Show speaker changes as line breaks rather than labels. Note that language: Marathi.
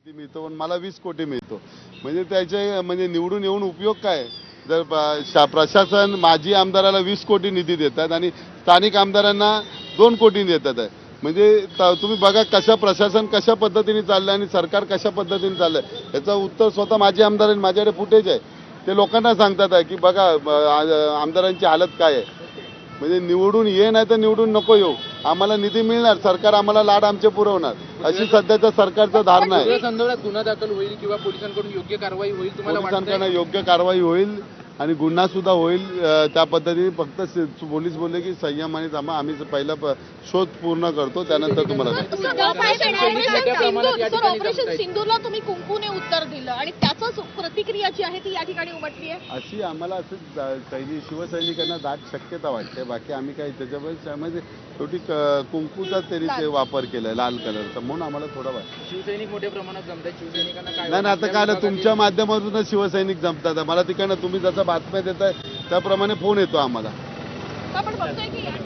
निधी मिळतो पण मला 20 कोटी मिळतो. म्हणजे त्याचे म्हणजे निवडून येऊन उपयोग काय? जर प्रशासन माजी आमदाराला 20 कोटी निधी देतात आणि स्थानिक आमदारांना 2 कोटी देतात आहे. म्हणजे तुम्ही बघा प्रशासन कशा पद्धतीने चाललंय आणि सरकार कशा पद्धतीने चाललंय याचं उत्तर स्वतः माजी आमदार माझ्याकडे फुटेज आहे. ते लोकांना सांगतात आहे की बघा आमदारांची हालत काय आहे. म्हणजे निवडून ये नाही तर निवडून नको येऊ, आम्हाला निधी मिळणार, सरकार आम्हाला लाड आमचे पुरवणार, अशी सध्याच्या सरकारचं धारणा आहे.
संदर्भात गुन्हा दाखल होईल किंवा पोलिसांकडून योग्य कारवाई होईल तुम्हाला
पोलिसांकडून योग्य कारवाई होईल आणि गुन्हा सुद्धा होईल. त्या पद्धतीने फक्त पोलीस बोलले की संयमाने थांबा, आम्ही पहिला शोध पूर्ण करतो त्यानंतर तुम्हाला
ऑपरेशन सिंदूरला तुम्ही कुंकूने उत्तर दिलं आणि त्याच प्रतिक्रिया जी आहे ती या ठिकाणी उमटली आहे.
अशी आम्हाला असं शिवसैनिकांना दाट शक्यता वाटते. बाकी आम्ही काही त्याच्यामध्ये शेवटी कुंकूचा तरी ते वापर केलाय लाल कलरचा, म्हणून आम्हाला थोडं वाटतं.
शिवसैनिक मोठ्या प्रमाणात जमतात, शिवसैनिकांना काय
नाही आता काय तुमच्या माध्यमातूनच शिवसैनिक जमतात. मला तिकडनं तुम्ही जसं बातम्या देताय त्याप्रमाणे फोन येतो आम्हाला.
आपण बघतोय की